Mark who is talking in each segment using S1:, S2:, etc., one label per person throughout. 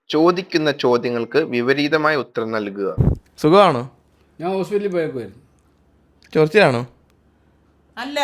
S1: ചോദിക്കുന്ന ചോദ്യങ്ങൾക്ക് വിപരീതമായ ഉത്തരം നൽകുക.
S2: സുഖമാണോ?
S3: ഞാൻ ഹോസ്പിറ്റലിൽ പോയേക്കുമായിരുന്നു.
S2: ചൊറിച്ചിലാണോ?
S4: അല്ല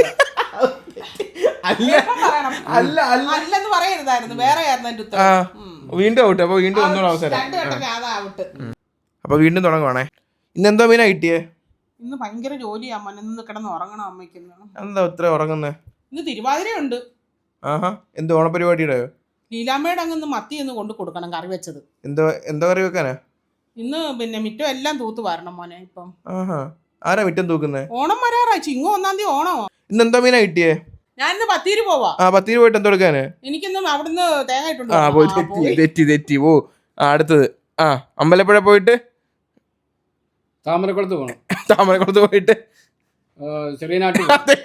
S2: അല്ല അല്ല അല്ല
S4: അല്ലെന്ന് പറയരുതായിരുന്നു, വേറെ ആയിരുന്നു എന്റെ
S2: ആ
S4: ഉത്തരം.
S2: വീണ്ടും ഔട്ട്. അപ്പൊ വീണ്ടും ഒന്നുകൂടെ അവസരം.
S4: രണ്ടു വട്ടം അതാവട്ട്.
S2: അപ്പൊ വീണ്ടും തുടങ്ങുവാണേ. ഇന്നെന്തോ മീനാ കിട്ടിയേ?
S4: ഇന്ന് ഭയങ്കര ജോലിയാ മോനെ, ഇന്ന് കിടന്ന് ഉറങ്ങണം അമ്മയ്ക്ക്.
S2: എന്താ ഇത്ര ഉറങ്ങുന്നേ?
S4: ഇന്ന് തിരുവാതിരയുണ്ട്.
S2: ആഹാ, എന്ത് ഓണപരിപാടിയുടെ?
S4: ലീലാമ്മയുടെ അങ്ങ് മത്തി ഒന്ന് കൊണ്ടു കൊടുക്കണം, കറി വെച്ചത്.
S2: എന്തോ എന്തോ കറി വെക്കാനാ?
S4: ഇന്ന് പിന്നെ മിറ്റം എല്ലാം തൂത്ത് വരണം മോനെ. ഇപ്പം
S2: ആഹാ, ആരാ മിറ്റം തൂക്കുന്നേ?
S4: ഓണം വരാറായി, ചിങ്ങ 1-ാം തീയതി ഓണമോ.
S2: ഇന്നെന്താ മീനാ കിട്ടിയേ?
S4: ഞാൻ ഇന്ന് പത്തീര് പോവാ.
S2: ആ, പത്തിരി പോയിട്ട് എന്തോ എടുക്കാന്?
S4: എനിക്കിന്ന് അവിടുന്ന് തേങ്ങ ഇട്ടുണ്ട്.
S2: ആ പോയി, തെറ്റി ഓ. അടുത്തത് അമ്പലപ്പുഴ പോയിട്ട്
S3: താമരക്കുളത്ത് പോകണം.
S2: താമരക്കുളത്ത് പോയിട്ട്
S3: ചെറിയ നാട്ടിൽ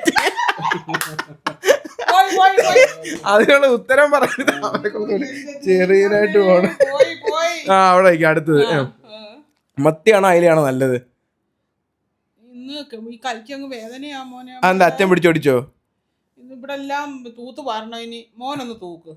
S2: അതിനുള്ള ഉത്തരം പറയുന്നത് ചെറിയതായിട്ട് പോണം. ആ അവിടെ അടുത്തത് മത്തിയാണോ അയിലാണോ നല്ലത്?
S4: ഇന്ന് ഈ കൈക്കങ്ങ് വേദനയാ മോനെ.
S2: അതെന്താ അച്ഛൻ പിടിച്ചോടിച്ചോ?
S4: ഇന്ന് ഇവിടെ എല്ലാം തൂത്ത് വരണം. ഇനി മോനൊന്ന് തൂക്ക്.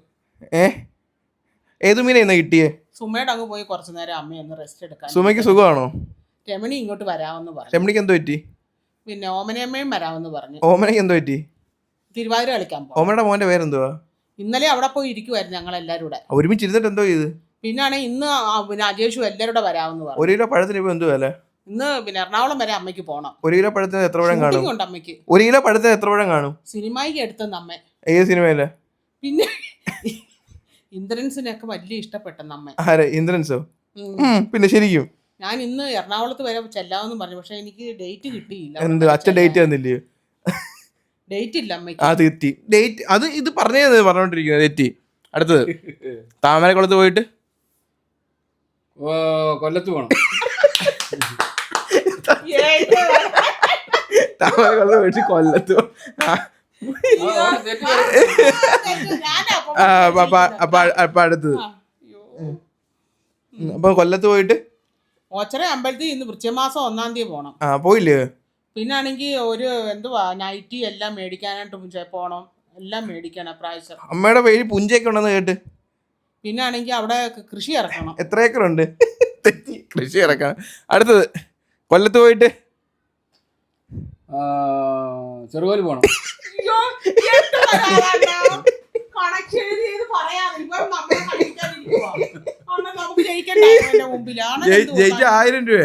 S2: ഏത് മീനാ ഇന്ന് കിട്ടിയേ?
S4: സുമയുടെ അങ്ങ് പോയി കുറച്ചു നേരം അമ്മയൊന്ന് റെസ്റ്റ് എടുക്കാൻ.
S2: സുമയ്ക്ക് സുഖമാണോ?
S4: രമണി ഇങ്ങോട്ട് വരാമെന്ന് പറഞ്ഞു.
S2: രമണിക്ക് എന്തോ പറ്റി?
S4: പിന്നെ ഓമനയമ്മയും വരാമെന്ന് പറഞ്ഞു.
S2: ഓമനയ്ക്ക് എന്തോ പറ്റി?
S4: തിരുവാതിര കളിക്കാൻ പോകും.
S2: ഓമനയുടെ മോന്റെ പേരെന്തുവാ?
S4: ഇന്നലെ അവിടെ പോയി ഇരിക്കുവായിരുന്നു ഞങ്ങൾ എല്ലാവരും കൂടെ.
S2: ഒരുമിച്ച് ഇരുന്നിട്ട് എന്തോ ചെയ്ത്?
S4: പിന്നാണ് ഇന്ന് പിന്നെ അജേഷും എല്ലാവരും കൂടെ വരാമെന്ന് പറഞ്ഞു.
S2: 1 കിലോ പഴത്തിന് ഇപ്പൊ എന്തുവാ വില?
S4: ഇന്ന് പിന്നെ എറണാകുളം വരെ അമ്മയ്ക്ക് പോണം.
S2: 1 കിലോ പഴത്തിന് എത്ര പഴം കാണും?
S4: ഉണ്ട് അമ്മയ്ക്ക്.
S2: 1 കിലോ പഴത്തിന് എത്ര പഴം കാണും?
S4: സിനിമയ്ക്ക് എടുത്തെന്ന് അമ്മ.
S2: ഏത് സിനിമയിലെ?
S4: പിന്നെ ഇന്ദ്രൻസിനൊക്കെ വലിയ ഇഷ്ടപ്പെട്ടെന്ന് അമ്മ.
S2: ആരെ? ഇന്ദ്രൻസോ? പിന്നെ ശരിക്കും
S4: ഞാൻ ഇന്ന് എറണാകുളത്ത് വരെ ചെല്ലാമെന്ന് പറഞ്ഞു. പക്ഷെ എനിക്ക് ഡേറ്റ് കിട്ടിയില്ല.
S2: എന്ത് അച്ഛൻ ഡേറ്റ് തന്നില്ലയോ?
S4: ഡേറ്റ് ഇല്ല അമ്മയ്ക്ക്.
S2: ആ തെറ്റി ഡേറ്റ്. അത് ഇത് പറഞ്ഞോണ്ടിരിക്കുന്നത് തെറ്റി. അടുത്തത് താമരക്കുളത്ത് പോയിട്ട്
S3: കൊല്ലത്ത് പോകണം.
S2: താമരക്കുളത്ത് പോയിട്ട് കൊല്ലത്ത് അപ്പൊ അടുത്തത് അപ്പൊ കൊല്ലത്ത് പോയിട്ട്
S4: ഓച്ചറ അമ്പലത്തിൽ ഇന്ന് വൃശ്ചികമാസം 1-ാം തീയതി പോണം.
S2: പോയില്ലേ?
S4: പിന്നാണെങ്കിൽ ഒരു എന്തുവാ നൈറ്റി എല്ലാം മേടിക്കാനായിട്ട് പോണം. എല്ലാം മേടിക്കണം പ്രാവശ്യം.
S2: അമ്മയുടെ പേര് പുഞ്ചയൊക്കെ ഉണ്ടെന്ന് കേട്ട്.
S4: പിന്നാണെങ്കിൽ അവിടെ കൃഷി ഇറക്കണം.
S2: എത്ര ഏക്കറുണ്ട്? കൃഷി ഇറക്കണം. അടുത്തത് കൊല്ലത്ത് പോയിട്ട്
S3: ചെറുകോല് പോകണം.
S2: ജയിച്ച 1000 രൂപ.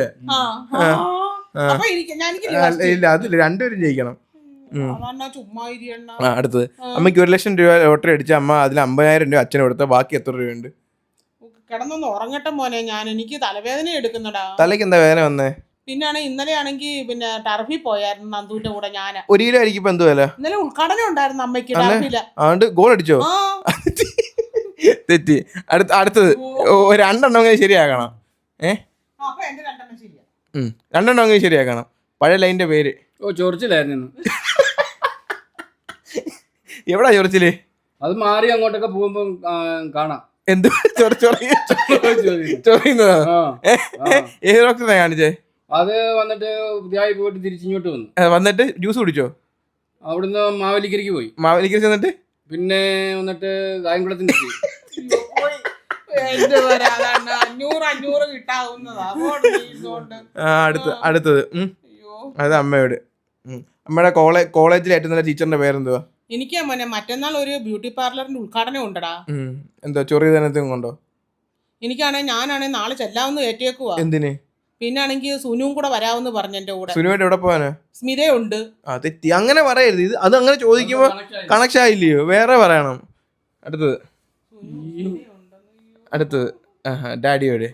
S2: ഇല്ല അതില്ല, രണ്ടുപേരും ജയിക്കണം. അടുത്തത് അമ്മയ്ക്ക് 1 ലക്ഷം രൂപ ലോട്ടറി അടിച്ച അമ്മ അതിൽ 50,000 രൂപ അച്ഛന് കൊടുത്ത, ബാക്കി എത്ര രൂപയുണ്ട്?
S4: കിടന്നൊന്ന് ഉറങ്ങട്ടെ മോനെ, ഞാൻ എനിക്ക് തലവേദന എടുക്കുന്നടാ.
S2: തലയ്ക്ക് എന്താ വേദന വന്നേ?
S4: പിന്നാണ് ഇന്നലെ ആണെങ്കിൽ പിന്നെ ടർഫിൽ പോയായിരുന്നു നന്ദുവിന്റെ കൂടെ. ഞാൻ
S2: 1 കിലോ അരിക്ക് ഇപ്പൊ എന്ത് വില?
S4: ഇന്നലെ ഉദ്ഘാടനം ഉണ്ടായിരുന്നു അമ്മയ്ക്ക് ടർഫില്.
S2: അതുകൊണ്ട് ഗോൾ അടിച്ചോ? തെറ്റി. അടുത്തത് 2 എണ്ണം ശരിയാക്കണം. രണ്ടെണ്ണം ശരിയാക്കണം. പഴയ ലൈനിന്റെ പേര്.
S3: ചൊറിച്ചിലായിരുന്നു.
S2: എവിടാ ചൊറിച്ചില്?
S3: അത് മാറി അങ്ങോട്ടൊക്കെ പോകുമ്പോ കാണാം.
S2: എന്ത് ചൊറിയുന്നതാ? ഏത് ഡോക്ടറെ കാണിച്ചേ?
S3: അത് വന്നിട്ട് പുതിയായി പോയിട്ട് തിരിച്ചിങ്ങോട്ട് വന്നു.
S2: വന്നിട്ട് ജ്യൂസ് കുടിച്ചോ?
S3: അവിടുന്ന് മാവേലിക്കരയ്ക്ക് പോയി.
S2: മാവേലിക്കര എന്നിട്ട്
S3: പിന്നെ വന്നിട്ട് കായംകുളത്തിന്
S2: അടുത്തത് അത് അമ്മയോട്. അമ്മയുടെ കോളേജിൽ ഏറ്റവും നല്ല ടീച്ചറിന്റെ പേരെന്തുവാ?
S4: എനിക്ക് മോനെ മറ്റന്നാൾ ഒരു ബ്യൂട്ടി പാർലറിന്റെ ഉദ്ഘാടനം ഉണ്ടടാ.
S2: എന്തോ ചൊറിയതനത്തും കൊണ്ടോ?
S4: ഞാനാണെ നാളെ ചെല്ലാമെന്ന് ഏറ്റേക്കുവാ.
S2: എന്തിന്?
S4: പിന്നാണെങ്കിൽ സുനുവും കൂടെ വരാമെന്ന് പറഞ്ഞു എന്റെ കൂടെ.
S2: സുനുവായിട്ട് എവിടെ പോവാനാ?
S4: സ്മിതയുണ്ട്.
S2: തെറ്റി, അങ്ങനെ പറയരുത്. ഇത് അത് അങ്ങനെ ചോദിക്കുമ്പോ കണക്ഷൻ ആയില്ലയോ? വേറെ പറയണം. അടുത്തത് ഡാഡിയോട്.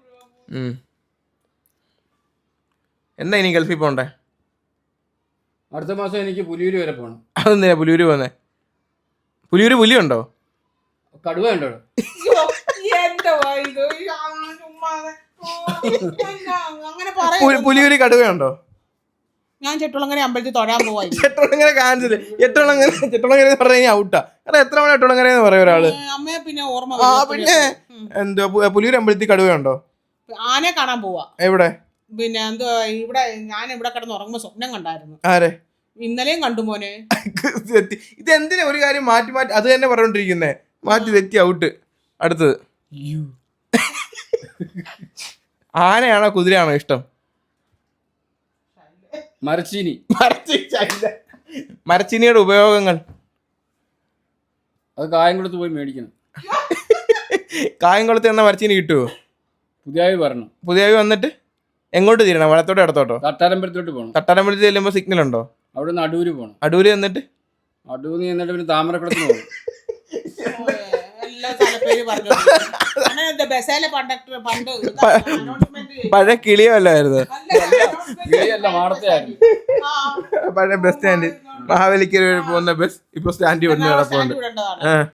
S2: എന്നാ ഇനി ഗൾഫിൽ പോണ്ടേ?
S3: അടുത്ത മാസം എനിക്ക് പുലിയൂര് വരെ പോകണം.
S2: അതെന്തിനാ പുലിയൂര് പോന്നെ? പുലിയൂര് പുലിയുണ്ടോ?
S3: കടുവ ഉണ്ടോ?
S2: പുലിയൂര് കടുവയുണ്ടോ?
S4: ഞാൻ ചെട്ടുളങ്ങര അമ്പലത്തിൽ തൊഴാൻ പോവാ.
S2: ചെട്ടുളങ്ങര കാണിച്ചത്. ചെട്ടുളങ്ങര പറഞ്ഞു കഴിഞ്ഞാൽ ഔട്ടാ. കാരണം എത്ര മണി ചെട്ടുളങ്ങര എന്ന് പറയും ഒരാള്.
S4: അമ്മയെ പിന്നെ ഓർമ്മ.
S2: പിന്നെ എന്തോ പുലിയൂര് അമ്പലത്തിൽ കടുവയുണ്ടോ?
S4: ആനയെ കാണാൻ പോവാ.
S2: എവിടെ?
S4: പിന്നെ എന്തോ ഇവിടെ ഞാൻ ഇവിടെ കിടന്ന് ഉറങ്ങുമ്പോ സ്വപ്നം കണ്ടായിരുന്നു.
S2: ആരെ?
S4: ഇന്നലെയും കണ്ടു മോനെ.
S2: ഇത് എന്തിനാ ഒരു കാര്യം മാറ്റി അത് തന്നെ പറഞ്ഞോണ്ടിരിക്കുന്നേ? മാറ്റി തെറ്റി ഔട്ട്. അടുത്തത് ആനയാണോ കുതിരയാണോ ഇഷ്ടം?
S3: മരച്ചീനി.
S2: മരച്ചീനിയുടെ ഉപയോഗങ്ങൾ?
S3: അത് കായം കൊടുത്ത് പോയി മേടിക്കണം.
S2: കായംകുളത്ത് എന്ന മരച്ചീനി കിട്ടുമോ?
S3: പുതിയ വരണം.
S2: പുതിയ വന്നിട്ട് എങ്ങോട്ട് തിരണം? വലത്തോട്ടോ ഇടത്തോട്ടോ?
S3: തട്ടാരമ്പലത്തോട്ട് പോകണം.
S2: തട്ടാരമ്പലത്തിൽ ചെല്ലുമ്പോൾ സിഗ്നൽ ഉണ്ടോ?
S3: അവിടെ നിന്ന് അടൂര് പോകണം.
S2: അടൂര് എന്നിട്ട്
S3: എന്നിട്ട് പിന്നെ താമരക്കുളത്തിന് പോകണം.
S4: എല്ലാ സ്ഥലപ്പേര് പറഞ്ഞു. അങ്ങനെ ബസ്സേലെ കണ്ടക്ടർ പണ്ട് announcement
S2: പഴയ കിളിയോ അല്ലായിരുന്നു?
S3: കിളിയല്ല, മാടത്തെയായിരുന്നു.
S2: പഴയ ബസ് സ്റ്റാൻഡ്, മഹാബലിക്ക് പോകുന്ന ബസ് ഇപ്പൊ സ്റ്റാൻഡിൽ വന്ന് കിടപ്പുണ്ട്.
S4: വിടേണ്ടതാണ്.